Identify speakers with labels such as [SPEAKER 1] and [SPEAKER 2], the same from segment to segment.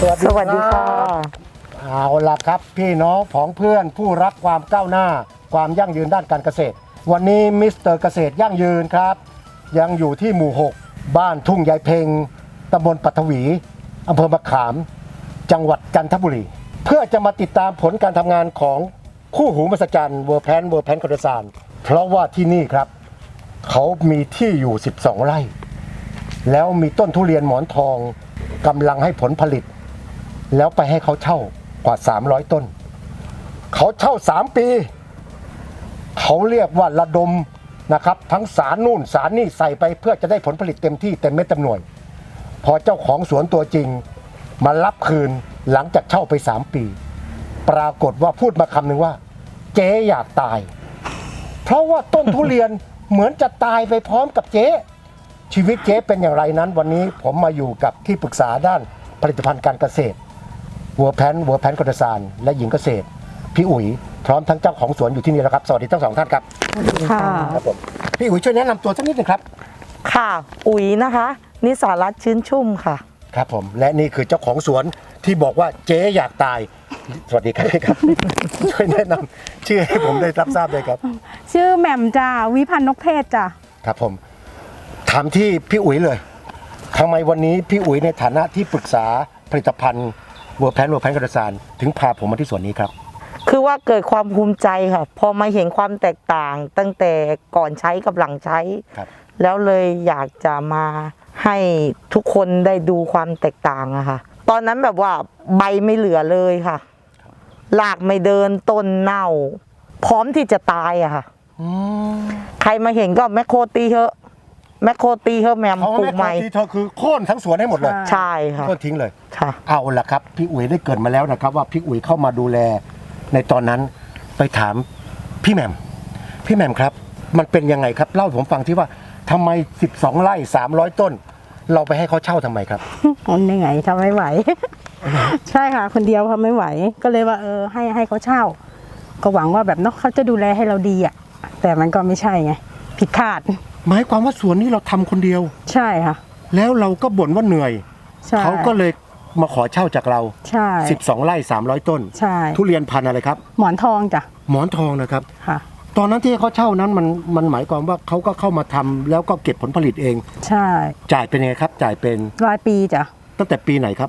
[SPEAKER 1] สวัสดีค่ะ
[SPEAKER 2] เอาล่ะครับพี่น้องผองเพื่อนผู้รักความก้าวหน้าความยั่งยืนด้านการเกษตรวันนี้มิสเตอร์เกษตรยั่งยืนครับยังอยู่ที่หมู่ 6 บ้านทุ่งยายเพ็งตำบลปัทวีอำเภอมะขามจังหวัดจันทบุรีเพื่อจะมาติดตามผลการทำงานของคู่หูมหัศจรรย์เวอร์แพนคอนเดซานเพราะว่าที่นี่ครับเขามีที่อยู่12 ไร่แล้วมีต้นทุเรียนหมอนทองกำลังให้ผลผลิตแล้วไปให้เขาเช่ากว่า300 ต้นเขาเช่า3 ปีเขาเรียกว่าระดมนะครับทั้งสารนู่นสารนี่ใส่ไปเพื่อจะได้ผลผลิตเต็มที่เต็มเม็ดเต็มหน่วยพอเจ้าของสวนตัวจริงมารับคืนหลังจากเช่าไป3 ปีปรากฏว่าพูดมาคำหนึ่งว่าเจ๊อยากตายเพราะว่าต้นทุเรียนเหมือนจะตายไปพร้อมกับเจ๊ชีวิตเจ๊เป็นอย่างไรนั้นวันนี้ผมมาอยู่กับที่ปรึกษาด้านผลิตภัณฑ์การเกษตรเวอร์แพนคอนเดซานและหญิงเกษตรพี่อุ๋ยพร้อมทั้งเจ้าของสวนอยู่ที่นี่แล้วครับสวัสดีทั้ง2 ท่านครับ
[SPEAKER 1] ค่ะ
[SPEAKER 2] ครับผมพี่อุ๋ยช่วยแนะนำตัวสักนิดหนึ่งครับ
[SPEAKER 1] ค่ะอุ๋ยนะคะนิสารัตน์ชื้นชุ่มค่ะ
[SPEAKER 2] ครับผมและนี่คือเจ้าของสวนที่บอกว่าเจ๊อยากตายสวัสดีครับพี่ครับ ช่วยแนะนำชื่อให้ผมได้รับทราบเลยครับ
[SPEAKER 3] ชื่อแหม่มจ้าวิพันธ์นกเทศจ้า
[SPEAKER 2] ครับผมถามที่พี่อุ๋ยเลยทำไมวันนี้พี่อุ๋ยในฐานะที่ปรึกษาผลิตภัณฑ์เวอร์แพนคอนเดซานถึงพาผมมาที่สวนนี้ครับ
[SPEAKER 1] คือว่าเกิดความภูมิใจค่ะพอมาเห็นความแตกต่างตั้งแต่ก่อนใช้กับหลังใช้แล้วเลยอยากจะมาให้ทุกคนได้ดูความแตกต่างอะค่ะตอนนั้นแบบว่าใบไม่เหลือเลยค่ะรากไม่เดินต้นเน่าพร้อมที่จะตายอะค่ะใครมาเห็นก็แมคโครตีเถอะแมคโครตีเถอะแมมปลูกใหม่
[SPEAKER 2] เธอคือโค่นทั้งสวนให้หมดเลย
[SPEAKER 1] ใช่ค่ะ
[SPEAKER 2] โค่นทิ้งเลย
[SPEAKER 1] ค่ะ
[SPEAKER 2] เอาล่ะครับพี่อุ๋ยได้เกิดมาแล้วนะครับว่าพี่อุ๋ยเข้ามาดูแลในตอนนั้นไปถามพี่แหม่มครับมันเป็นยังไงครับเล่าให้ผมฟังที่ว่าทำไม12 ไร่300 ต้นเราไปให้เขาเช่าทำไมครับ
[SPEAKER 3] มันยังไงทำไม่ไหว ใช่ค่ะคนเดียวทำไม่ไหวก็เลยว่าให้เขาเช่าก็หวังว่าแบบเนาะเขาจะดูแลให้เราดีอ่ะแต่มันก็ไม่ใช่ไงผิดคาด
[SPEAKER 2] หมายความว่าสวนนี้เราทำคนเดียว
[SPEAKER 3] ใช่ค่ะ
[SPEAKER 2] แล้วเราก็บ่นว่าเหนื่อยเขาก็เลยมาขอเช่าจากเรา
[SPEAKER 3] ใช่
[SPEAKER 2] 12 ไร่300 ต้น
[SPEAKER 3] ใช่
[SPEAKER 2] ทุเรียนพันธุ์อะไรครับ
[SPEAKER 3] หมอนทองจ้ะ
[SPEAKER 2] หมอนทองนะครับ
[SPEAKER 3] ค่ะ
[SPEAKER 2] ตอนนั้นที่เขาเช่านั้นมันหมายความว่าเขาก็เข้ามาทำแล้วก็เก็บผลผลิตเอง
[SPEAKER 3] ใช่
[SPEAKER 2] จ่ายเป็นไงครับจ่ายเป็น
[SPEAKER 3] รายปีจ้ะ
[SPEAKER 2] ตั้งแต่ปีไหนครับ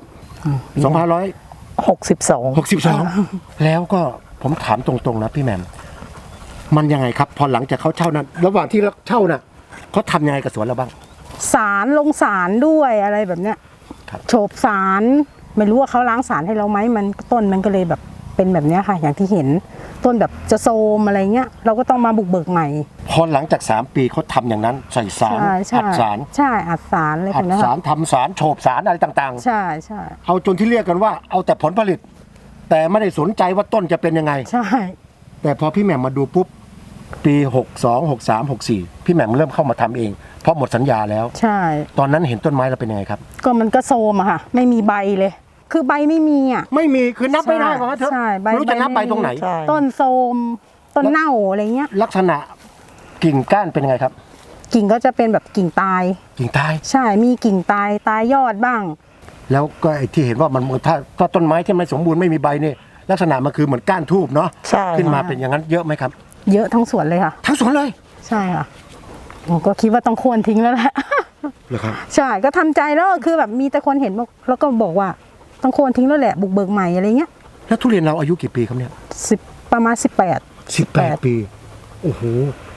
[SPEAKER 1] 2562
[SPEAKER 2] แล้วก็ผมถามตรงๆนะพี่แหม่มมันยังไงครับพอหลังจากเขาเช่านั้นระหว่างที่เช่าน่ะเขาทำยังไงกับสวนเราบ้าง
[SPEAKER 3] สารลงสารด้วยอะไรแบบเนี้ยโฉบสารไม่รู้ว่าเขาล้างสารให้เราไหมมันต้นมันก็เลยแบบเป็นแบบนี้ค่ะอย่างที่เห็นต้นแบบจะโซมอะไรเงี้ยเราก็ต้องมาบุกเบิกใหม่
[SPEAKER 2] พอหลังจาก3 ปีเขาทำอย่างนั้นใส่สารอัดสาร
[SPEAKER 3] ใช่อัดสารอะไรแบบนี้
[SPEAKER 2] อัดสารทำสารโฉบสารอะไรต่าง
[SPEAKER 3] ๆใช่
[SPEAKER 2] เอาจนที่เรียกกันว่าเอาแต่ผลผลิตแต่ไม่ได้สนใจว่าต้นจะเป็นยังไง
[SPEAKER 3] ใช่
[SPEAKER 2] แต่พอพี่แหม่มมาดูปุ๊บปี62 63 64พี่แหม่มเริ่มเข้ามาทำเองเพราะหมดสัญญาแล้ว
[SPEAKER 3] ใช่
[SPEAKER 2] ตอนนั้นเห็นต้นไม้เราเป็นยังไงครับ
[SPEAKER 3] ก็มันก็โซมอะค่ะไม่มีใบเลยคือใบไม่มีอ่ะ
[SPEAKER 2] ไม่มีคือนับไม่ได้เพราะว่าเธอรู้จะนับใบตรงไหน
[SPEAKER 3] ต้นโซมต้นเน่าอะไรเงี้ย
[SPEAKER 2] ลักษณะกิ่งก้านเป็นยังไงครับ
[SPEAKER 3] กิ่งก็จะเป็นแบบกิ่งตายใช่มีกิ่งตายยอดบ้าง
[SPEAKER 2] แล้วก็ไอ้ที่เห็นว่ามันถ้าต้นไม้ที่ไม่สมบูรณ์ไม่มีใบนี่ลักษณะมันคือเหมือนก้านทูบเนาะขึ้นมาเป็นอย่างนั้นเยอะไหมครับ
[SPEAKER 3] เยอะทั้งสวนเลยค่ะ
[SPEAKER 2] ทั้งสวนเลย
[SPEAKER 3] ใช่ค่ะผมก็คิดว่าต้องควรทิ้งแล้วแหละ
[SPEAKER 2] เหรอครับ
[SPEAKER 3] ใช่ก็ทำใจแล้วคือแบบมีแต่คนเห็นแล้วก็บอกว่าต้องควรทิ้งแล้วแหละบุกเบิกใหม่อะไรเงี้ย
[SPEAKER 2] แล้วทุเรียนเราอายุกี่ปีครับเนี่ย
[SPEAKER 3] ประมาณ
[SPEAKER 2] 18 ปีโอ้โห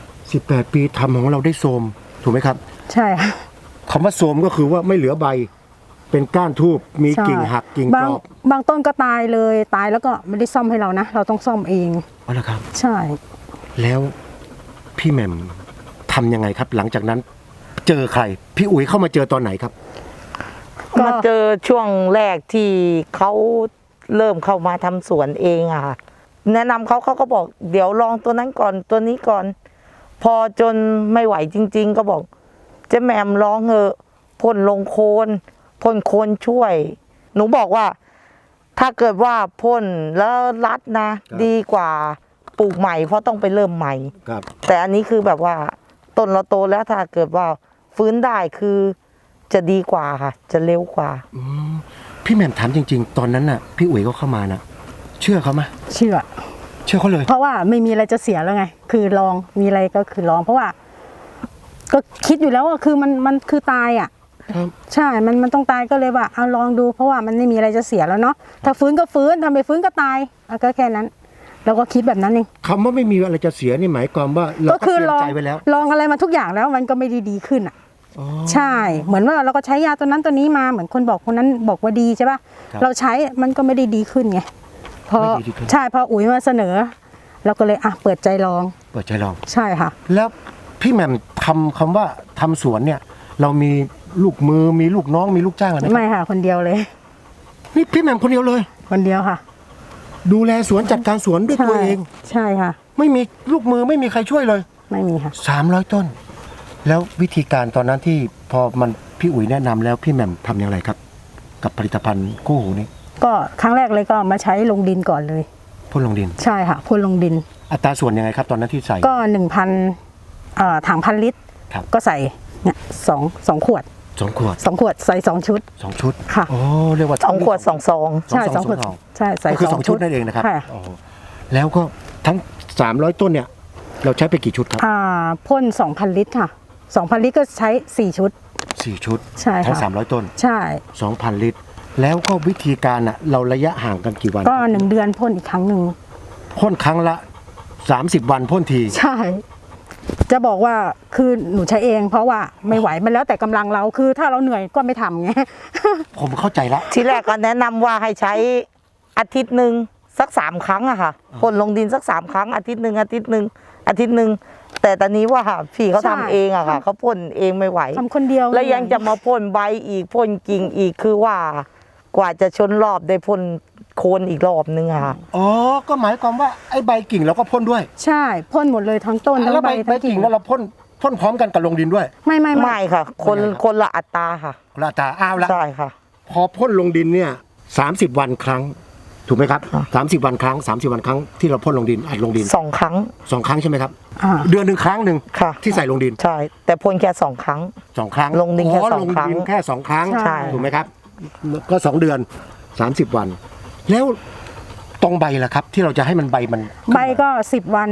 [SPEAKER 2] 18 ปีทำของเราได้โทรมถูกไหมครับ
[SPEAKER 3] ใช่ค่ะ
[SPEAKER 2] คำว่าโทรมก็คือว่าไม่เหลือใบเป็นก้านทูบมีกิ่งหักกิ่งกรอ
[SPEAKER 3] บบางต้นก็ตายเลยตายแล้วก็ไม่ได้ซ่อมให้เรานะเราต้องซ่อมเอง
[SPEAKER 2] อ๋อเหรอครับ
[SPEAKER 3] ใช่
[SPEAKER 2] แล้วพี่แหม่มทำยังไงครับหลังจากนั้นเจอใครพี่อุ๋ยเข้ามาเจอตอนไหนครับ
[SPEAKER 1] มาเจอช่วงแรกที่เขาเริ่มเข้ามาทำสวนเองอะค่ะแนะนำเขาก็บอกเดี๋ยวลองตัวนั้นก่อนตัวนี้ก่อนพอจนไม่ไหวจริงๆก็บอกเจ๊แหม่มลองเถอะพ่นลงโคนช่วยหนูบอกว่าถ้าเกิดว่าพ่นแล้วรัดนะดีกว่าปลูกใหม่เพราะต้องไปเริ่มใหม่แต่อันนี้คือแบบว่าต้นเราโตแล้วถ้าเกิดว่าฟื้นได้คือจะดีกว่าค่ะจะเร็วกว่า
[SPEAKER 2] พพี่แหม่มถามจริงๆ ตอนนั้นน่ะพี่อุ๋ยก็เข้ามานะเชื่อเขาไหม
[SPEAKER 3] เชื่อ
[SPEAKER 2] เชื่อเขาเลย
[SPEAKER 3] เพราะว่าไม่มีอะไรจะเสียแล้วไง คือลองมีอะไรก็คือลอง เพราะว่า ก็คิดอยู่แล้วว่าคือมันคือตายอ่ะ
[SPEAKER 2] ครับ
[SPEAKER 3] ใช่ มันต้องตายก็เลยว่าเอาลองดู เพราะว่ามันไม่มีอะไรจะเสียแล้วเนาะถ้าฟื้นก็ฟื้นทำไม่ฟื้นก็ตายก็แค่นั้นเราก็คิดแบบนั้นเอง
[SPEAKER 2] คำว่าไม่มีอะไรจะเสียนี่หมายความว่าเรา
[SPEAKER 3] ก็
[SPEAKER 2] ก็
[SPEAKER 3] คื
[SPEAKER 2] เตรีย
[SPEAKER 3] ล
[SPEAKER 2] ม
[SPEAKER 3] อง
[SPEAKER 2] ใจไว้แล้ว
[SPEAKER 3] ลองอะไรมาทุกอย่างแล้วมันก็ไม่ได้ดีขึ้นอ่ะ
[SPEAKER 2] อ๋อ
[SPEAKER 3] ใช่ เหมือนว่าเราก็ใช้ยาตัวนั้นตัวนี้มาเหมือนคนบอกคนนั้นบอกว่าดีใช่ป่ะ
[SPEAKER 2] ครับ
[SPEAKER 3] เราใช้มันก็ไม่ได้ดีขึ้นไงพอ
[SPEAKER 2] ไม่ดีขึ้น
[SPEAKER 3] ใช่พออุ๋ยมาเสนอ เราก็เลยเปิดใจลอง
[SPEAKER 2] เปิดใจลอง
[SPEAKER 3] ใช่ค่ะ
[SPEAKER 2] แล้วพี่แหม่มทำคำว่าทำสวนเนี่ย เรามีลูกมือมีลูกน้องมีลูกจ้างอะไรไหม
[SPEAKER 3] ไม่ค่ะ คนเดียวเลย
[SPEAKER 2] นี่พี่แหม่มคนเดียวเลย
[SPEAKER 3] คนเดียวค่ะ
[SPEAKER 2] ดูแลสวนจัดการสวนด้วยตัวเอง
[SPEAKER 3] ใช่ค่ะ
[SPEAKER 2] ไม่มีลูกมือไม่มีใครช่วยเลย
[SPEAKER 3] ไม่มีค่ะ
[SPEAKER 2] 300 ต้น แล้ววิธีการตอนนั้นที่พอมันพี่อุ๋ยแนะนำแล้วพี่แหม่มทำอย่างไรครับ กับผลิตภัณฑ์คู่หูนี้
[SPEAKER 3] ก็ครั้งแรกเลยก็มาใช้ลงดินก่อนเลย
[SPEAKER 2] พ่นลงดิน
[SPEAKER 3] ใช่ค่ะพ่นลงดิน
[SPEAKER 2] อัตราส่วนยังไงครับตอนนั้นที่ใส่
[SPEAKER 3] ก็ 1,000ถัง1,000 ลิตร
[SPEAKER 2] ครับ
[SPEAKER 3] ก็ใส่เนี่ยสองขวด
[SPEAKER 2] 2 ขวด
[SPEAKER 3] 2 ขวดใส่2 ชุด
[SPEAKER 2] 2 ชุด
[SPEAKER 3] ค่ะ
[SPEAKER 2] โอ้เรียกว่า
[SPEAKER 1] 2 ขวด 2 ซอง
[SPEAKER 3] ใช่2 ขวดใช่ใส่
[SPEAKER 2] ก็คือ2 ชุดนั่นเองนะครับ
[SPEAKER 3] ค่ะ
[SPEAKER 2] โอ้แล้วก็ทั้ง300 ต้นเนี่ยเราใช้ไปกี่ชุดครับ
[SPEAKER 3] พ่น 2,000 ลิตรค่ะ 2,000 ลิตรก็ใช้4 ชุด
[SPEAKER 2] 4 ชุด
[SPEAKER 3] ใช่ค่ะ
[SPEAKER 2] ทั้ง300 ต้น
[SPEAKER 3] ใช่
[SPEAKER 2] 2,000 ลิตร แล้วก็วิธีการอ่ะเราระยะห่างกันกี่วัน
[SPEAKER 3] ก็1 เดือนพ่นอีกครั้งหนึ่ง
[SPEAKER 2] พ่นครั้งละ30 วันพ่นที
[SPEAKER 3] ใช่ จะบอกว่าคือหนูใช้เอง เพราะว่าไม่ไหวมันแล้วแต่กำลังเราคือถ้าเราเหนื่อยก็ไม่ทำไง
[SPEAKER 2] ผมเข้าใจละ
[SPEAKER 1] ทีแรกก็แนะนำว่าให้ใช้อาทิตย์หนึ่งสัก3 ครั้งอะค่ะพ่นลงดินสัก3 ครั้งอาทิตย์หนึ่งแต่ตอนนี้ว่าพี่เขา
[SPEAKER 3] ใช่
[SPEAKER 1] ทำเองอะค่ะเขาพ่นเองไม่ไหว
[SPEAKER 3] ทำคนเดียว
[SPEAKER 1] แล้วยังจะมาพ่นใบอีกพ่นกิ่งอีกคือว่ากว่าจะชนรอบได้พ่นโคนอีกรอบนึงอะค่ะ
[SPEAKER 2] อ๋อ ก็หมายความว่าไอ้ใบกิ่งเราก็พ่นด้วย
[SPEAKER 3] ใช่พ่นหมดเลยทั้งต้นทั้ง
[SPEAKER 2] แล้ว
[SPEAKER 3] ใบ
[SPEAKER 2] ใบ
[SPEAKER 3] ทั้ง
[SPEAKER 2] กิ่
[SPEAKER 3] กิ่
[SPEAKER 2] ง
[SPEAKER 3] ง
[SPEAKER 2] แล้วเราพ่นพร้อมกันกับลงดินด้วย
[SPEAKER 3] ไม่
[SPEAKER 1] ไม่ค่ะ คนละอัตราค่ะ
[SPEAKER 2] ละตาอ้าวละ
[SPEAKER 1] ใช่ค่ะ
[SPEAKER 2] พอพ่นลงดินเนี่ย30 วันครั้ง ถูกไหมครับ
[SPEAKER 1] ค่ะ
[SPEAKER 2] 30 วันครั้ง30 วันครั้งที่เราพ่นลงดินอัดลงดิน
[SPEAKER 1] 2 ครั้ง
[SPEAKER 2] 2 ครั้งใช่ไหมครับ
[SPEAKER 3] อ่า
[SPEAKER 2] เดือนหนึ่งครั้งหนึ่ง
[SPEAKER 1] ค่ะ
[SPEAKER 2] ที่ใส่ลงดิน
[SPEAKER 1] ใช่ แต่พ่นแค่2 ครั้ง
[SPEAKER 2] 2 ครั้ง
[SPEAKER 1] ลงดินแค่
[SPEAKER 2] อ๋อ
[SPEAKER 1] สอง
[SPEAKER 2] ลง
[SPEAKER 1] ครั้ง
[SPEAKER 2] ดินแค่2 ครั้ง
[SPEAKER 3] ใช่
[SPEAKER 2] ถูกไหมครับ ก็2 เดือน30 วัน แล้วตรงใบล่ะครับ ที่เราจะให้มันใบมัน
[SPEAKER 3] ใบก็10 วัน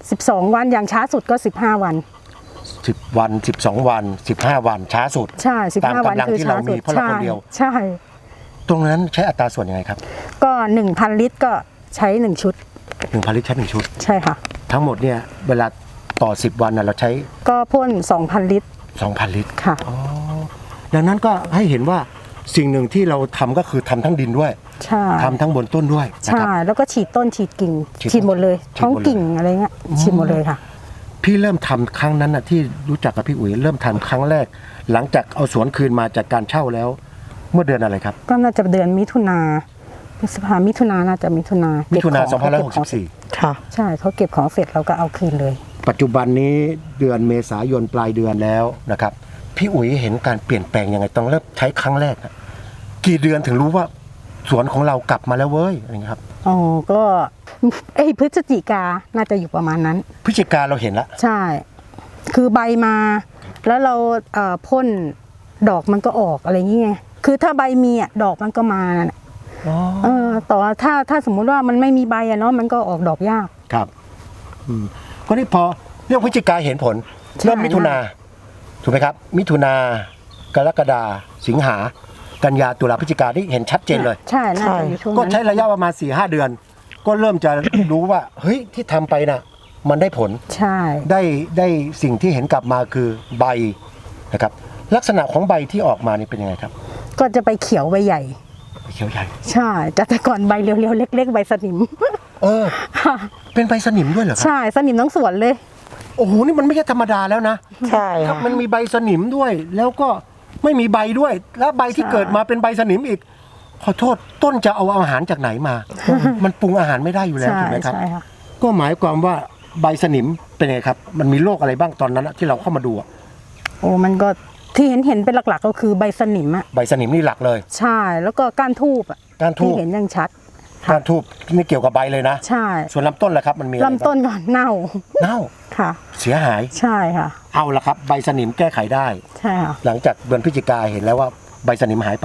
[SPEAKER 3] 12 วันอย่างช้าสุดก็15 วัน
[SPEAKER 2] 10 วัน 12 วัน 15 วันช้าสุด
[SPEAKER 3] ใช่
[SPEAKER 2] ตาม
[SPEAKER 3] 15 วัน
[SPEAKER 2] กำลัง
[SPEAKER 3] คือ
[SPEAKER 2] ที่
[SPEAKER 3] ช้า
[SPEAKER 2] เรา
[SPEAKER 3] สุ
[SPEAKER 2] มี
[SPEAKER 3] ด
[SPEAKER 2] เพราะเราคนเดียว
[SPEAKER 3] ใช่
[SPEAKER 2] ตรงนั้นใช้อัตราส่วนยังไงครับ
[SPEAKER 3] ก็ 1,000 ลิตรก็ใช้ 1 ชุด
[SPEAKER 2] 1,000 ลิตรใช้1ชุด
[SPEAKER 3] ใช่ค่ะ
[SPEAKER 2] ทั้งหมดเนี่ยเวลาต่อ 10 วันน่ะเราใช้
[SPEAKER 3] ก็พ่น 2,000 ลิตร
[SPEAKER 2] 2,000 ลิตร
[SPEAKER 3] ค่ะ
[SPEAKER 2] ดังนั้นก็ให้เห็นว่าสิ่งหนึ่งที่เราทำก็คือทำทั้งดินด้วย
[SPEAKER 3] ใช่
[SPEAKER 2] ทำทั้งบนต้นด้วยนะ
[SPEAKER 3] ใช่
[SPEAKER 2] ครับ
[SPEAKER 3] แล้วก็ฉีดต้นฉีดกิ่ง
[SPEAKER 2] ฉีด
[SPEAKER 3] ฉีดหมดเลย
[SPEAKER 2] ฉีดหมดเลย
[SPEAKER 3] ท้องกิ่งอะไรเงี้ยฉีดหมดเลยค่ะ
[SPEAKER 2] พี่เริ่มทำครั้งนั้นน่ะที่รู้จักกับพี่อุ๋ยเริ่มทำครั้งแรก หลังจากเอาสวนคืนมาจากการเช่าแล้ว เมื่อเดือนอะไรครับ
[SPEAKER 3] ก็น่าจะเดือนมิถุนาพฤษภามิถุนาน่าจะมิถุนา
[SPEAKER 2] มิ
[SPEAKER 3] มิ
[SPEAKER 2] ถุนา
[SPEAKER 3] 2564
[SPEAKER 1] ค่ะ
[SPEAKER 3] ใช่เขาเก็บของเสร็จเราก็เอาคืนเลย
[SPEAKER 2] 2564ปัจจุบันนี้เดือนเมษายนปลายเดือนแล้วนะครับพี่อุ๋ยเห็นการเปลี่ยนแปลงยังไงต้องเริ่มใช้ครั้งแรกอะกี่เดือนถึงรู้ว่าสวนของเรากลับมาแล้วเว้ยอะไรอย่างเงี้ยครับ
[SPEAKER 3] อ๋อ ก็พฤศจิกาน่าจะอยู่ประมาณนั้น
[SPEAKER 2] พฤศจิกาเราเห็นละ
[SPEAKER 3] ใช่ คือใบมา แล้วเราพ่นดอกมันก็ออกอะไรอย่างเงี้ยคือถ้าใบมีอ่ะดอกมันก็มาน่ะต่อถ้าสมมุติว่ามันไม่มีใบอะเนาะมันก็ออกดอกยาก
[SPEAKER 2] ครับก็นี่พอเรื่องพฤศจิกาเห็นผล
[SPEAKER 3] ใช่
[SPEAKER 2] เริ่มมิถุนาถูกไหมครับ มิถุนากรกฎาสิงหากันยาตุลาพฤศจิกาที่เห็นชัดเจนเลย
[SPEAKER 3] ใช่น่าจะอยู่ช่วง
[SPEAKER 2] ก็
[SPEAKER 3] นั้น
[SPEAKER 2] ใช้ระยะประมาณ 4-5 เดือน ก็เริ่มจะ รู้ว่าเฮ้ยที่ทำไปน่ะมันได้ผล
[SPEAKER 3] ใช่
[SPEAKER 2] ได้สิ่งที่เห็นกลับมาคือใบนะครับลักษณะของใบที่ออกมานี่เป็นยังไงครับ
[SPEAKER 3] ก็จะไปเขียวใบใหญ่
[SPEAKER 2] เขียวใหญ่
[SPEAKER 3] ใช่แต่ก่อนใบเรียวๆเล็ก ๆ ใบสนิม
[SPEAKER 2] เออเป็นใบสนิมด้วยเหรอครับ
[SPEAKER 3] ใช่สนิมทั้งสวนเลย
[SPEAKER 2] โอ้โหนี่มันไม่ใช่ธรรมดาแล้วนะ
[SPEAKER 1] ใช่
[SPEAKER 2] ครับ
[SPEAKER 1] ค่ะ
[SPEAKER 2] มันมีใบสนิมด้วย แล้วก็ไม่มีใบด้วย แล้วใบที่
[SPEAKER 3] ใช่
[SPEAKER 2] เกิดมาเป็นใบสนิมอีก ขอโทษต้นจะเอาอาหารจากไหนมา มันปรุงอาหารไม่ได้อยู่แล้ว
[SPEAKER 3] ใช่
[SPEAKER 2] ถูกไหมครับ
[SPEAKER 3] ใช่ค่ะ
[SPEAKER 2] ก็หมายความว่าใบสนิมเป็นไงครับ มันมีโรคอะไรบ้างตอนนั้นอะที่เราเข้ามาดูอะ
[SPEAKER 3] โอ้มันก็ที่เห็นเป็นหลักๆก็คือใบสนิมอ่ะ
[SPEAKER 2] ใบสนิมนี่หลักเลย
[SPEAKER 3] ใช่แล้วก็ก้านทูบอ่ะ
[SPEAKER 2] ก้านทู
[SPEAKER 3] ที่
[SPEAKER 2] บ
[SPEAKER 3] เห็นยังชัด
[SPEAKER 2] ก้านทูบนี่เกี่ยวกับใบเลยนะ
[SPEAKER 3] ใช่
[SPEAKER 2] ส่วนลำต้นล่ะครับมันมีอะไรบ้าง
[SPEAKER 3] ลำต้นก่อนเน่า
[SPEAKER 2] เน่า
[SPEAKER 3] ค่ะ
[SPEAKER 2] เสียหาย
[SPEAKER 3] ใช่ค่ะ
[SPEAKER 2] เอาละครับ ใบสนิมแก้ไขได้
[SPEAKER 3] ใช่ค่ะ
[SPEAKER 2] หลังจากเดือนพฤศจิกาเห็นแล้วว่าใบสนิมหายไป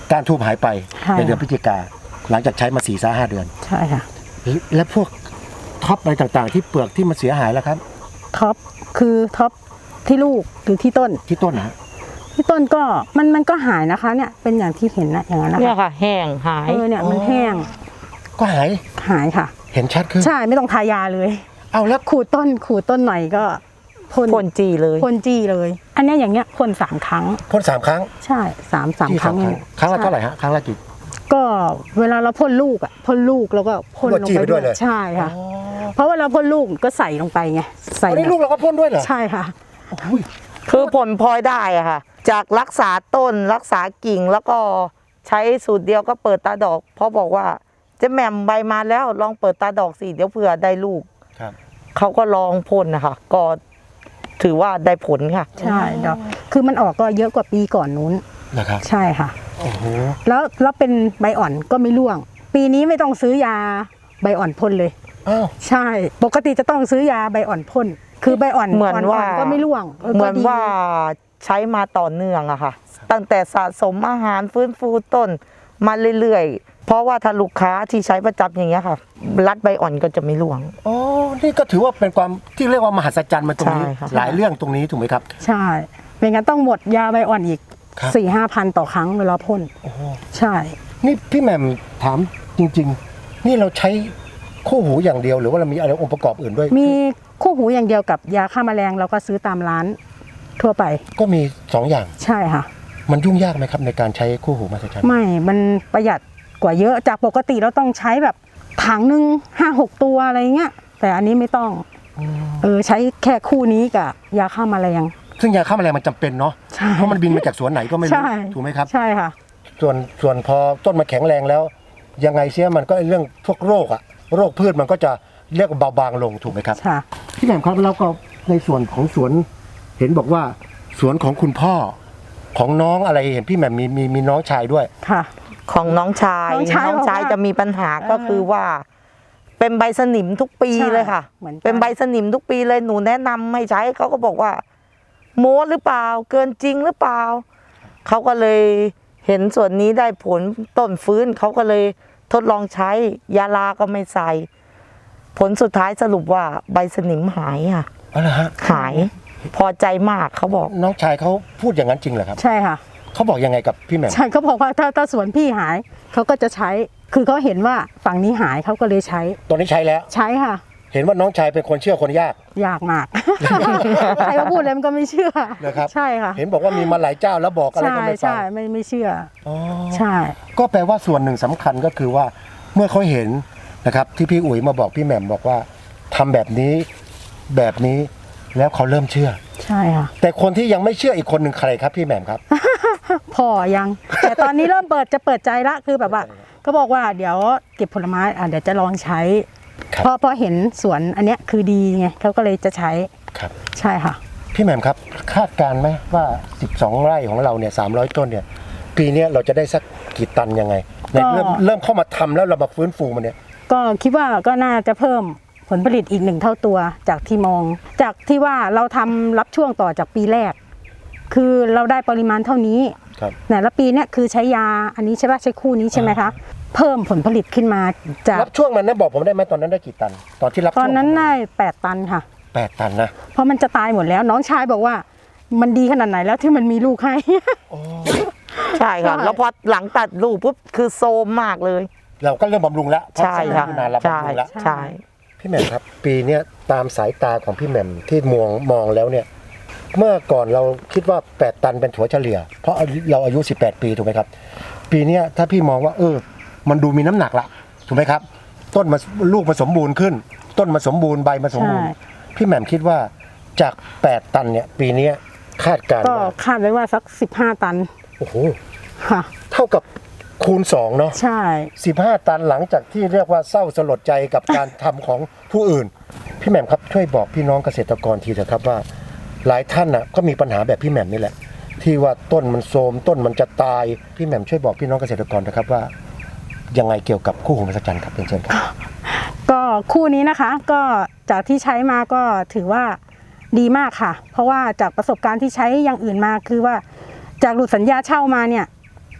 [SPEAKER 2] การทูบหายไป
[SPEAKER 3] ใช่
[SPEAKER 2] ในเดือนพฤศจิกาหลังจากใช้มา4-5 เดือน
[SPEAKER 3] ใช่ค่ะ
[SPEAKER 2] และพวกท็อปอะไรต่างๆ ที่เปลือกที่มันเสียหายแล้วครับ
[SPEAKER 3] ท็อปคือท็อปที่ลูกหรือที่ต้น
[SPEAKER 2] ที่ต้นนะฮะ
[SPEAKER 3] ที่ต้นก็มันก็หายนะคะเนี่ยเป็นอย่างที่เห็นนะอย่างนั้นนะ
[SPEAKER 1] เนี่ย
[SPEAKER 3] คะ
[SPEAKER 1] ค่ะ แห้งหาย
[SPEAKER 3] เนี่ยมันแห้ง
[SPEAKER 2] ก็หาย
[SPEAKER 3] หายค่ะ
[SPEAKER 2] เห็นชัดขึ้น
[SPEAKER 3] ใช่ไม่ต้องทายาเลย
[SPEAKER 2] เอาแล้ว
[SPEAKER 3] ขูดต้นหน่อยก็พ่น
[SPEAKER 1] พ่นจีเลย
[SPEAKER 3] พ่นจี้เลย อันเนี้ยอย่างเงี้ยพ่น3 ครั้ง
[SPEAKER 2] พ่น3 ครั้ง
[SPEAKER 3] ใช่สาม
[SPEAKER 2] ที่
[SPEAKER 3] ครั้ง
[SPEAKER 2] ครั้งละเท่าไหร่ฮะครั้งละกี่
[SPEAKER 3] ก็เวลาเราพ่นลูกอ่ะพ่นลูกแล้วก็พ่นลง
[SPEAKER 2] จี้
[SPEAKER 3] ไป
[SPEAKER 2] ไปด้วยเลย
[SPEAKER 3] ใช่ค่ะ เพราะเวลาพ่นลูกก็ใส่ลงไปไงใส่
[SPEAKER 2] อันนี้ลูกเราก็พ่นด้วยเหรอ
[SPEAKER 3] ใช่ค่ะ
[SPEAKER 2] อุ้ย
[SPEAKER 1] คือผลพลอยได้อะค่ะ จากรักษาต้นรักษากิ่งแล้วก็ใช้สูตรเดียวก็เปิดตาดอก เพราะบอกว่าเจะแหม่มใบมาแล้วลองเปิดตาดอกสิเดี๋ยวเผื่อได้ลูก
[SPEAKER 2] ครับ
[SPEAKER 1] เขาก็ลองพ่นนะคะก็ถือว่าได้ผลค่ะ
[SPEAKER 3] ใช่ดอกคือมันออกก็เยอะกว่าปีก่อนนู้น
[SPEAKER 2] นะครับ
[SPEAKER 3] ใช่ค่ะ
[SPEAKER 2] โอ้โห
[SPEAKER 3] แล้วเป็นใบอ่อนก็ไม่ร่วง ปีนี้ไม่ต้องซื้อยาใบอ่อนพ่นเลย
[SPEAKER 2] อ้าว
[SPEAKER 3] ใช่ ปกติจะต้องซื้อยาใบอ่อนพ่นคือใบอ่อน
[SPEAKER 1] เหมือนว่า
[SPEAKER 3] ก็ไม่ร่วง
[SPEAKER 1] เหมือน
[SPEAKER 3] ก็ดี
[SPEAKER 1] ว่าใช้มาต่อเนื่องอะค่ะ ตั้งแต่สะสมอาหารฟื้นฟูต้นมาเรื่อยๆ เพราะว่าถ้าลูกค้าที่ใช้ประจำอย่างเงี้ยค่ะ รัดใบอ่อนก็จะไม่ร่วง
[SPEAKER 2] อ๋อนี่ก็ถือว่าเป็นความที่เรียกว่ามหัศจรรย์มาตรงนี้
[SPEAKER 1] ใช่ครับ
[SPEAKER 2] หลายเรื่องตรงนี้ถูกไหมครับ
[SPEAKER 3] ใช่ไม่งั้นต้องหมดยาใบอ่อนอีก
[SPEAKER 2] ครับ
[SPEAKER 3] 4-5 พันต่อครั้งเวลาพ่น
[SPEAKER 2] โอ้โห
[SPEAKER 3] ใช่
[SPEAKER 2] นี่พี่แหม่มถามจริง ๆ นี่เราใช้คู่หูอย่างเดียวหรือว่าเรามีอะไรองค์ประกอบอื่นด้วย
[SPEAKER 3] มีคู่หูอย่างเดียวกับยาฆ่าแมลงเราก็ซื้อตามร้านทั่วไป
[SPEAKER 2] ก็มี2 อย่าง
[SPEAKER 3] ใช่ค่ะ
[SPEAKER 2] มันยุ่งยากไหมครับในการใช้คู่หูมหัศจรรย์
[SPEAKER 3] ไม่ มันประหยัดกว่าเยอะจากปกติเราต้องใช้แบบถังหนึ่ง5-6 ตัวอะไรเงี้ยแต่อันนี้ไม่ต้องใช้แค่คู่นี้กับยาฆ่าแมลง
[SPEAKER 2] ซึ่งยาฆ่าแมลงมันจำเป็นเนาะ
[SPEAKER 3] ใช่
[SPEAKER 2] เพราะมันบินมาจากสวนไหนก็ไม่รู้
[SPEAKER 3] ใช่
[SPEAKER 2] ถูกไหมครับ
[SPEAKER 3] ใช่ค่ะ
[SPEAKER 2] ส่วนพอต้นมาแข็งแรงแล้ว ยังไงเสียมันก็เรื่องพวกโรคอะโรคพืชมันก็จะเรียกว่าเบาบางลงถูกไหมครับ
[SPEAKER 3] ค่ะ
[SPEAKER 2] พี่แหม่มครับแล้วก็ในส่วนของสวนเห็นบอกว่าสวนของคุณพ่อของน้องอะไรเห็นพี่แหม่มมีน้องชายด้วย
[SPEAKER 3] ค่ะ
[SPEAKER 1] ของน้องชาย
[SPEAKER 3] น้องชายบอกว่า
[SPEAKER 1] จะมีปัญหาก็คือว่า เป็นใบสนิมทุกปี
[SPEAKER 3] ใช่
[SPEAKER 1] เลยค่ะ
[SPEAKER 3] เหมือนกัน
[SPEAKER 1] เป็นใบสนิมทุกปีเลยหนูแนะนำให้ใช้เขาก็บอกว่า โม้หรือเปล่า เกินจริงหรือเปล่าเขาก็เลยเห็นส่วนนี้ได้ผลต้นฟื้นเขาก็เลยทดลองใช้ยาลาก็ไม่ใส่ ผลสุดท้ายสรุปว่าใบสนิมหายค่ะ
[SPEAKER 2] อ๋อเหรอฮะ
[SPEAKER 1] หาย พอใจมากเขาบอก
[SPEAKER 2] น้องชายเขาพูดอย่างนั้นจริงเหรอครับ
[SPEAKER 3] ใช่ค่ะ
[SPEAKER 2] เขาบอกยังไงกับพี่แหม่ม
[SPEAKER 3] ใช่เขาบอกว่าถ้าสวนพี่หายเขาก็จะใช้ คือเขาเห็นว่าฝั่งนี้หายเขาก็เลยใช้
[SPEAKER 2] ตอนนี้ใช้แล้ว
[SPEAKER 3] ใช้ค่ะ
[SPEAKER 2] เห็นว่าน้องชายเป็นคนเชื่อคนยาก
[SPEAKER 3] ยากมาก ใครมาพูดอะไรมันก็ไม่เชื่อ
[SPEAKER 2] นะครับ
[SPEAKER 3] ใช่ค่ะ
[SPEAKER 2] เห็นบอกว่ามีมาหลายเจ้าแล้วบอกอะไร
[SPEAKER 3] ใช่
[SPEAKER 2] ก็ไม่ฟัง
[SPEAKER 3] ใช่ไม่เชื่อ
[SPEAKER 2] อ๋อ
[SPEAKER 3] ใช่
[SPEAKER 2] ก็แปลว่าส่วนหนึ่งสำคัญก็คือว่าเมื่อเขาเห็นนะครับที่พี่อุ๋ยมาบอกพี่แหม่มบอกว่าทำแบบนี้แล้วเขาเริ่มเชื่อ
[SPEAKER 3] ใช่ค่ะ
[SPEAKER 2] แต่คนที่ยังไม่เชื่ออีกคนหนึ่งใครครับพี่แหม่มครับ
[SPEAKER 3] พ่อยัง แต่ตอนนี้เริ่มจะเปิดใจละคือแบบว่าก็บอกว่าเดี๋ยวเก็บผลไม้เดี๋ยวจะลองใช้
[SPEAKER 2] ครับ
[SPEAKER 3] เพราะเห็นสวนอันเนี้ยคือดีไงเขาก็เลยจะใช้
[SPEAKER 2] ครับ
[SPEAKER 3] ใช่ค่ะ
[SPEAKER 2] พี่แหม่มครับคาดการณ์ไหมว่า 12 ไร่ของเราเนี่ย300 ต้นเนี่ยปีเนี้ยเราจะได้สักกี่ตันยังไงในเริ่มเข้ามาทำแล้วเรามาฟื้นฟูมันเนี่ย
[SPEAKER 3] ก็คิดว่าก็น่าจะเพิ่มผลผลิตอีก1 เท่าตัวจากที่มอง จากที่ว่าเราทำรับช่วงต่อจากปีแรก คือเราได้ปริมาณเท่านี้
[SPEAKER 2] ครับ
[SPEAKER 3] แต่ละปีเนี่ยคือใช้ยาอันนี้ใช่ป่ะใช้คู่นี้ใช่ไหมคะเพิ่มผลผลิตขึ้นมาจาก
[SPEAKER 2] รับช่วงนั้นนะบอกผมได้ไหมตอนนั้นได้กี่ตัน ตอนที่รับ
[SPEAKER 3] ต
[SPEAKER 2] ช่
[SPEAKER 3] อ
[SPEAKER 2] วน ง
[SPEAKER 3] นั้นได้8 ตันค่ะ
[SPEAKER 2] 8 ตันนะ
[SPEAKER 3] เพราะมันจะตายหมดแล้วน้องชายบอกว่ามันดีขนาดไหนแล้วที่มันมีลูกให้
[SPEAKER 1] ใช่ค่ะ
[SPEAKER 3] ใช่
[SPEAKER 1] แล้วพอหลังตัดลูกปุ๊บคือโซมมากเลย
[SPEAKER 2] เราก็เริ่มบำรุงแล้วเพราะ
[SPEAKER 1] ใช่ค่ะ
[SPEAKER 2] นานเรา
[SPEAKER 1] ใช่
[SPEAKER 2] บำรุงแล้ว
[SPEAKER 1] ใช่
[SPEAKER 2] พี่แหม่มครับ ปีเนี้ยตามสายตาของพี่แหม่มที่มองแล้วเนี่ยเมื่อก่อนเราคิดว่า8 ตันเป็นถั่วเฉลี่ย เพราะเราอายุ18 ปีถูกไหมครับ ปีเนี้ยถ้าพี่มองว่ามันดูมีน้ำหนักละถูกไหมครับ ต้นมาลูกมาสมบูรณ์ขึ้น ต้นมาสมบูรณ์ใบมาสมบูรณ์
[SPEAKER 3] ใช่
[SPEAKER 2] พี่แหม่มคิดว่าจาก8 ตันเนี่ยปีเนี้ยคาดการณ์
[SPEAKER 3] ก็
[SPEAKER 2] ว่า
[SPEAKER 3] คาดไว้ว่าสัก15 ตัน
[SPEAKER 2] โอ้โห
[SPEAKER 3] ค่ะ
[SPEAKER 2] เท่ากับคูณ2เนาะ
[SPEAKER 3] ใช่
[SPEAKER 2] 15 ตันหลังจากที่เรียกว่าเศร้าสลดใจกับการทำของผู้อื่น พี่แหม่มครับช่วยบอกพี่น้องเกษตรกรทีเถอะครับว่า หลายท่านน่ะก็มีปัญหาแบบพี่แหม่มนี่แหละ ที่ว่าต้นมันโทรมต้นมันจะตายพี่แหม่มช่วยบอกพี่น้องเกษตรกรนะครับว่ายังไงเกี่ยวกับคู่หูมหัศจรรย์ครับเป็นเชิญครับ
[SPEAKER 3] ก็คู่นี้นะคะก็จากที่ใช้มาก็ถือว่าดีมากค่ะ เพราะว่าจากประสบการณ์ที่ใช้อย่างอื่นมาคือว่าจากหลุดสัญญาเช่ามาเนี่ย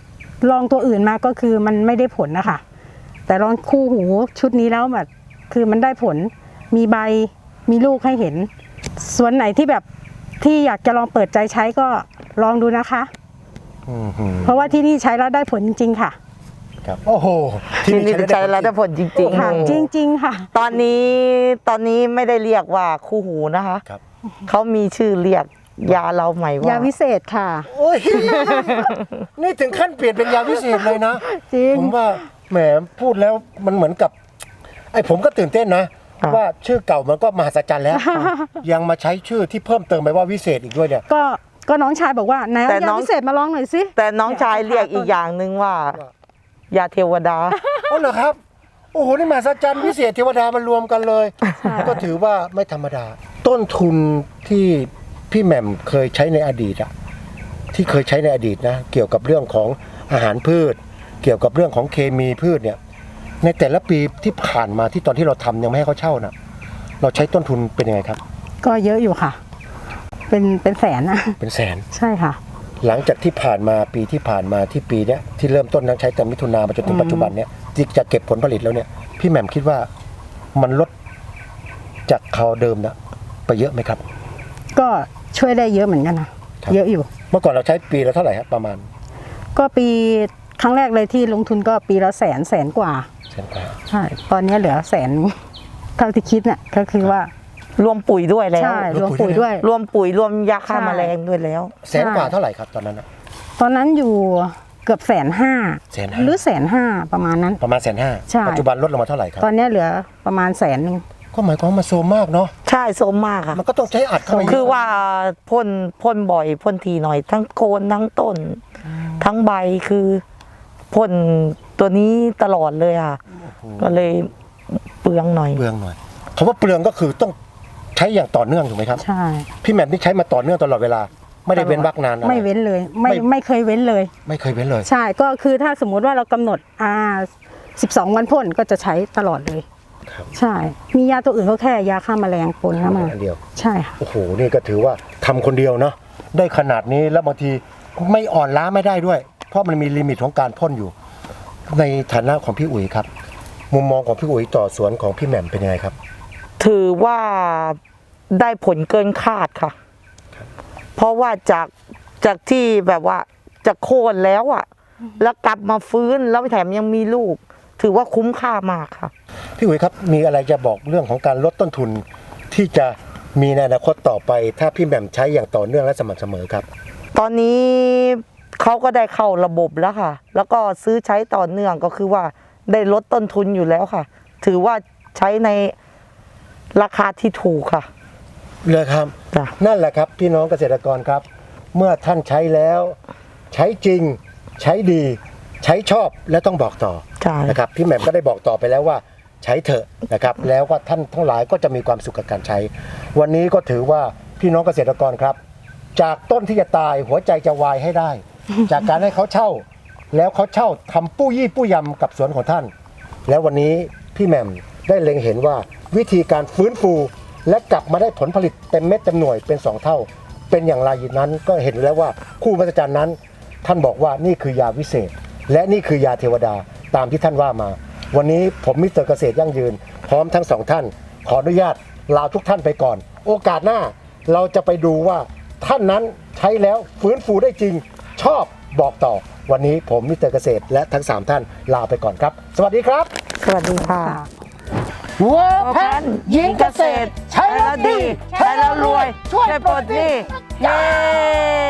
[SPEAKER 3] ลองตัวอื่นมาก็คือมันไม่ได้ผลนะคะแต่ลองคู่หูชุดนี้แล้วแบบคือมันได้ผลมีใบมีลูกให้เห็นส่วนไหนที่แบบที่อยากจะลองเปิดใจใช้ก็ลองดูนะคะ เพราะว่าที่นี่ใช้แล้วได้ผลจริงๆค่ะ
[SPEAKER 2] ครับโอ้โห
[SPEAKER 1] ที่นี่ใช้แล้วได้ผลจริง
[SPEAKER 3] ค่ะ
[SPEAKER 1] ๆ
[SPEAKER 3] จริงๆค่ะ
[SPEAKER 1] ตอนนี้ไม่ได้เรียกว่าคู่หูนะคะ
[SPEAKER 2] ครับ
[SPEAKER 1] เขามีชื่อเรียกยาเราใหม่ว่าย
[SPEAKER 3] าวิเศษค่ะ
[SPEAKER 2] โอ้ย นี่ถึงขั้นเปลี่ยนเป็นยาวิเศษเลยนะ
[SPEAKER 3] จริง
[SPEAKER 2] ผมว่าแหมพูดแล้วมันเหมือนกับไอ้ผมก็ตื่นเต้นนะ ว่าชื่อเก่ามันก็มหัศจรรย์แล้ว ยังมาใช้ชื่อที่เพิ่มเติมไปว่าวิเศษอีกด้วยเนี่ย
[SPEAKER 3] ก็น้องชายบอกว่าไหนเอา
[SPEAKER 1] แต่
[SPEAKER 3] ยา
[SPEAKER 1] น้อง
[SPEAKER 3] วิเศษมาลองหน่อยสิ
[SPEAKER 1] แต่น้องชายเรียกอีกอย่างหนึ่งว่า ยาเทวดา
[SPEAKER 2] อ๋อเหรอครับ โอ้โห นี่มหัศจรรย์วิเศษเทวดามารวมกันเลย ก็ถือว่าไม่ธรรมดา ต้นทุนที่พี่แหม่มเคยใช้ในอดีตอะที่เคยใช้ในอดีตนะเกี่ยวกับเรื่องของอาหารพืช เกี่ยวกับเรื่องของเคมีพืชเนี่ย ในแต่ละปีที่ผ่านมาที่ตอนที่เราทำยังไม่ให้เขาเช่านะเราใช้ต้นทุนเป็นยังไงครับ
[SPEAKER 3] ก็เยอะอยู่ค่ะ เป็นแสนนะ
[SPEAKER 2] เป็นแสน
[SPEAKER 3] ใช่ค่ะ
[SPEAKER 2] หลังจากที่ผ่านมาปีที่ผ่านมาที่ปีเนี้ยที่เริ่มต้นนั้นใช้แต่มิถุนามาจนถึงปัจจุบันเนี้ยที่จะเก็บผลผลิตแล้วเนี่ยพี่แหม่มคิดว่ามันลดจากคราวเดิมนะไปเยอะไหมครับ
[SPEAKER 3] ก็ช่วยได้เยอะเหมือนกันนะครับ เยอะอยู่
[SPEAKER 2] เมื่อก่อนเราใช้ปีละเท่าไหร่ครับประมาณ
[SPEAKER 3] ก็ปีครั้งแรกเลยที่ลงทุนก็ปีละแสนกว่า
[SPEAKER 2] แสนกว่า
[SPEAKER 3] ใช่ตอนนี้เหลือแสนเท่าที่คิดเนี่ยก็คือว่าร
[SPEAKER 1] วมปุ๋ยด้วยแล้ว
[SPEAKER 3] ใช่รวมปุ๋ยด้วย
[SPEAKER 1] รวมปุ๋ยรวมยาฆ่า
[SPEAKER 3] ใช่
[SPEAKER 1] แมลงด้วยแล้ว
[SPEAKER 2] แสนกว่าเท่าไหร่ครับตอนนั้นอะ
[SPEAKER 3] ตอนนั้นอยู่เกือบ150,000
[SPEAKER 2] 150,000
[SPEAKER 3] หรือ150,000ประมาณนั้น
[SPEAKER 2] ประมาณ150,000
[SPEAKER 3] ใช่
[SPEAKER 2] ปัจจุบันลดลงมาเท่าไหร่ครับ
[SPEAKER 3] ตอนนี้เหลือประมาณ100,000
[SPEAKER 2] ก็หมายความว่ามันโซมมากเนาะ
[SPEAKER 1] ใช่โซมมากค่ะ
[SPEAKER 2] มันก็ต้องใช้อัดเข้าไปเยะ
[SPEAKER 1] คือว่าพ่นบ่อยพ่นทีหน่อย ทั้งโคนทั้งต้น ทั้งใบคือพ่นตัวนี้ตลอดเลยค่ะ ก็เลยเปลืองหน่อย
[SPEAKER 2] เปลืองหน่อยคำว่าเปลืองก็คือต้องใช้อย่างต่อเนื่องถูกไหมครับ
[SPEAKER 3] ใช่
[SPEAKER 2] พี่แหม่มนี่ใช้มาต่อเนื่องตลอดเวลา ไม่ได้เว้นวรรคนานอะไร
[SPEAKER 3] ไม่เว้นเลยไม่เคยเว้นเลย
[SPEAKER 2] ไม่เคยเว้นเลย
[SPEAKER 3] ใช่ก็คือถ้าสมมุติว่าเรากำหนด12 วันพ่นก็จะใช้ตลอดเลย
[SPEAKER 2] ครับ
[SPEAKER 3] ใช่ มียาตัวอื่นก็แค่ยาฆ่าแมลงปนเข้ามา
[SPEAKER 2] อันเดียว
[SPEAKER 3] ใช่ค่ะ
[SPEAKER 2] โอ้โห นี่ก็ถือว่าทำคนเดียวเนาะ ได้ขนาดนี้แล้วบางทีไม่อ่อนล้าไม่ได้ด้วย เพราะมันมีลิมิตของการพ่นอยู่ ในฐานะของพี่อุ๋ยครับ มุมมองของพี่อุ๋ยต่อสวนของพี่แหม่มเป็นยังไงครับ
[SPEAKER 1] ถือว่าได้ผลเกินคาดค่ะ เพราะว่าจากที่แบบว่าจะโค่นแล้วอ่ะ แล้วกลับมาฟื้นแล้วแถมยังมีลูก ถือว่าคุ้มค่ามากค่ะ
[SPEAKER 2] พี่อุ๋ยครับ มีอะไรจะบอกเรื่องของการลดต้นทุน ที่จะมีในอนาคตต่อไป ถ้าพี่แหม่มใช้อย่างต่อเนื่องและสม่ำเสมอครับ
[SPEAKER 1] ตอนนี้เขาก็ได้เข้าระบบแล้วค่ะ แล้วก็ซื้อใช้ต่อเนื่องก็คือว่าได้ลดต้นทุนอยู่แล้วค่ะ ถือว่าใช้ในราคาที่ถูกค่ะ
[SPEAKER 2] เลยครับ
[SPEAKER 1] จ้ะ
[SPEAKER 2] นั่นแหละครับพี่น้องเกษตรกรครับ เมื่อท่านใช้แล้วใช้จริงใช้ดี ใช้ชอบและต้องบอกต่อ
[SPEAKER 1] ใช่
[SPEAKER 2] นะครับพี่แหม่มก็ได้บอกต่อไปแล้วว่าใช้เถอะนะครับแล้วก็ท่านทั้งหลายก็จะมีความสุขกับการใช้ วันนี้ก็ถือว่าพี่น้องเกษตรกรครับ จากต้นที่จะตายหัวใจจะวายให้ได้ จากการให้เขาเช่า แล้วเขาเช่าทำปู้ยี่ปู้ยำกับสวนของท่าน แล้ววันนี้พี่แหม่มได้เล็งเห็นว่าวิธีการฟื้นฟู และกลับมาได้ผลผลิตเต็มเม็ดเต็มหน่วยเป็น2เท่า เป็นอย่างไรนั้นก็เห็นแล้วว่าคู่มหัศจรรย์นั้น ท่านบอกว่านี่คือยาวิเศษ และนี่คือยาเทวดาตามที่ท่านว่ามา วันนี้ผมมิสเตอร์เกษตรยั่งยืน พร้อมทั้ง2ท่าน ขออนุญาตลาทุกท่านไปก่อน โอกาสหน้าเราจะไปดูว่าท่านนั้นใช้แล้วฟื้นฟูได้จริง ชอบบอกต่อ วันนี้ผมมิสเตอร์เกษตรและทั้ง3ท่านลาไปก่อนครับ สวัสดีครับ
[SPEAKER 1] สวัสดีค่ะ
[SPEAKER 2] วัวแพนหญิงเกษตร ใช้แล้วดี
[SPEAKER 1] ใช้แล้วรวย ช่วยปลดหนี้เย้